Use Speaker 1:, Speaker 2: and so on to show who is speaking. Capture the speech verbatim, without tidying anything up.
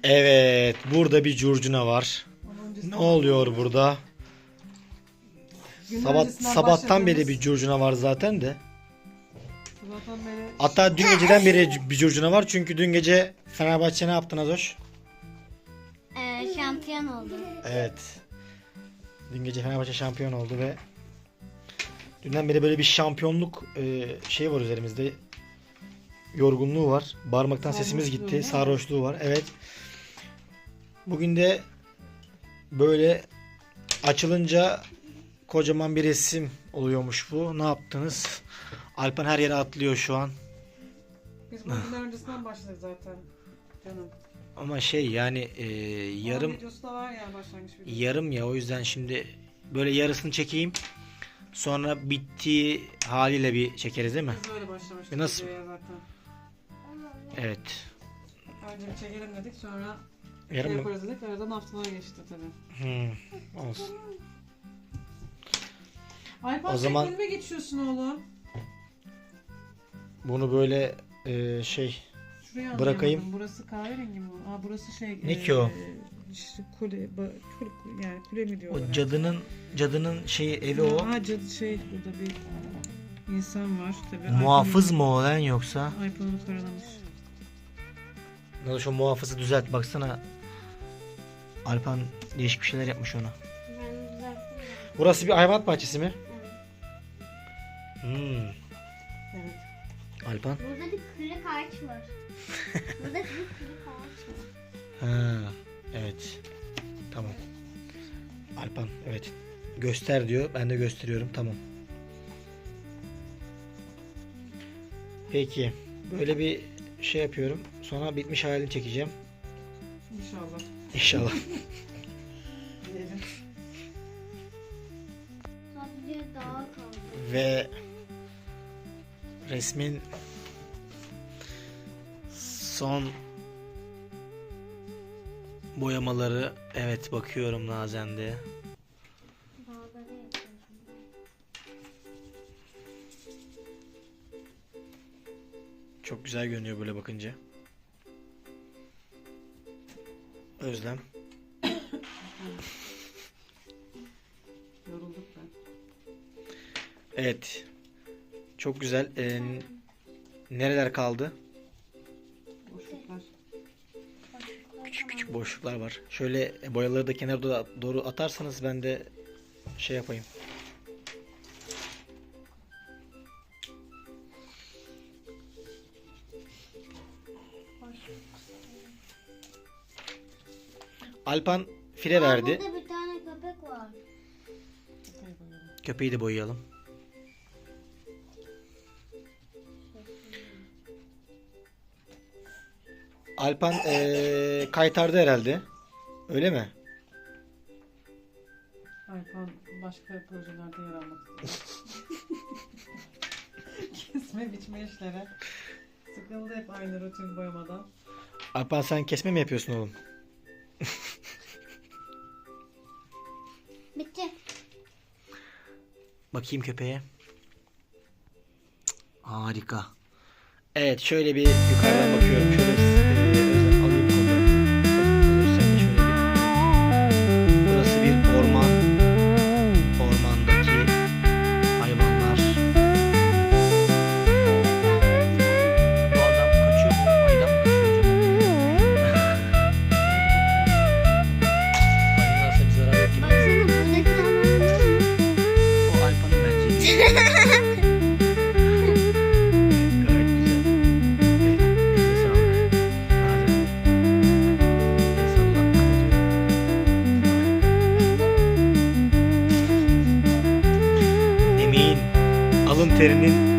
Speaker 1: Evet, burada bir curcuna var. Ne oluyor burada?
Speaker 2: Gün
Speaker 1: Sabah,
Speaker 2: öncesinden
Speaker 1: sabahtan beri
Speaker 2: başladığımız-
Speaker 1: bir curcuna var zaten de.
Speaker 2: Sabahtan beri
Speaker 1: Hatta dün geceden beri bir curcuna var. Çünkü dün gece Fenerbahçe ne yaptı Nazoş?
Speaker 3: Ee, şampiyon oldu.
Speaker 1: Evet. Dün gece Fenerbahçe şampiyon oldu ve dünden beri böyle bir şampiyonluk e, şey var üzerimizde. Yorgunluğu var. Bağırmaktan sesimiz
Speaker 2: Sarhoşluğu
Speaker 1: gitti.
Speaker 2: değil mi?
Speaker 1: Sarhoşluğu var. Evet. Bugün de böyle açılınca kocaman bir resim oluyormuş bu. Ne yaptınız? Alpan her yere atlıyor şu an.
Speaker 2: biz bunu günler öncesinden başladık zaten canım.
Speaker 1: Ama şey yani e, yarım
Speaker 2: Onun videosu da var yani başlangıç videosu.
Speaker 1: yarım ya, o yüzden şimdi böyle yarısını çekeyim. Sonra bittiği haliyle bir çekeriz değil mi?
Speaker 2: Biz böyle başlamıştık
Speaker 1: E nasıl?
Speaker 2: videoya zaten.
Speaker 1: Evet.
Speaker 2: Önce bir çekelim dedik sonra
Speaker 1: Yarım
Speaker 2: şey
Speaker 1: mı?
Speaker 2: yaparız dedik. Aradan haftalar geçti tabii.
Speaker 1: Hmm, olsun.
Speaker 2: Alpan
Speaker 1: O zaman-
Speaker 2: sen önüme geçiyorsun oğlum.
Speaker 1: Bunu böyle e, şey
Speaker 2: Şuraya
Speaker 1: Bırakayım.
Speaker 2: anlayamadım. Burası kahverengi mi? Aa burası şey.
Speaker 1: Ne ki o?
Speaker 2: işte kule, ba- kule, yani kule mi diyorlar?
Speaker 1: o cadının cadının şeyi evi o.
Speaker 2: Ha cadı şey burada bir insan var tabii.
Speaker 1: Muhafız mı o lan yoksa?
Speaker 2: Alpan'ı karalamış.
Speaker 1: Ne şu muhafızı düzelt baksana. Alpan değişik bir şeyler yapmış ona.
Speaker 3: Ben düzelttim.
Speaker 1: Burası bir hayvanat bahçesi mi? Hmm.
Speaker 2: Evet.
Speaker 1: Alpan.
Speaker 3: Burada bir kırık ağaç var. Burada bir kırık ağaç var.
Speaker 1: Ha, evet. Tamam. Alpan evet. Göster diyor. Ben de gösteriyorum. Tamam. Peki. Böyle bir şey yapıyorum. Sonra bitmiş halini çekeceğim.
Speaker 2: İnşallah.
Speaker 1: İnşallah.
Speaker 2: Diyelim.
Speaker 3: Sadece dağa kaldı.
Speaker 1: Ve resmin son boyamaları, evet bakıyorum Nazende.
Speaker 3: Dağları yapıyorum.
Speaker 1: Çok güzel görünüyor böyle bakınca. Özlem.
Speaker 2: Yorulduk ben.
Speaker 1: Evet. Çok güzel. Ee, nereler kaldı?
Speaker 2: Boşluklar.
Speaker 1: Küçük küçük boşluklar var. Şöyle boyaları da kenara doğru- doğru atarsanız ben de şey yapayım. Alpan fire
Speaker 3: Aa,
Speaker 1: verdi.
Speaker 3: burada bir tane köpek var.
Speaker 2: Köpeği boyayalım.
Speaker 1: Köpeği de boyayalım. Alpan ee, kaytardı herhalde. Öyle mi?
Speaker 2: Alpan başka projelerde yer almak istiyor. Kesme biçme işlere. Sıkıldı hep aynı rutin boyamadan.
Speaker 1: Alpan sen kesme mi yapıyorsun oğlum?
Speaker 3: Bitti.
Speaker 1: Bakayım köpeğe. Cık, harika. Evet şöyle bir yukarıdan bakıyorum. Şöyle e, Özlem alayım kollarını. Özlem sen de şöyle bir. Burası bir orman. Ormandaki hayvanlar. Bu adam kaçıyor mu? Ayıdan mı kaçıyor acaba? Ayılarsa bir zarar yok gibi.
Speaker 3: Baksana buradaki hayvanlar.
Speaker 1: O Alpan'ın bence. Gayet güzel. Evet, elinize sağlık. Bazen el salla, kapatıyorum. Emeğin, alın terinin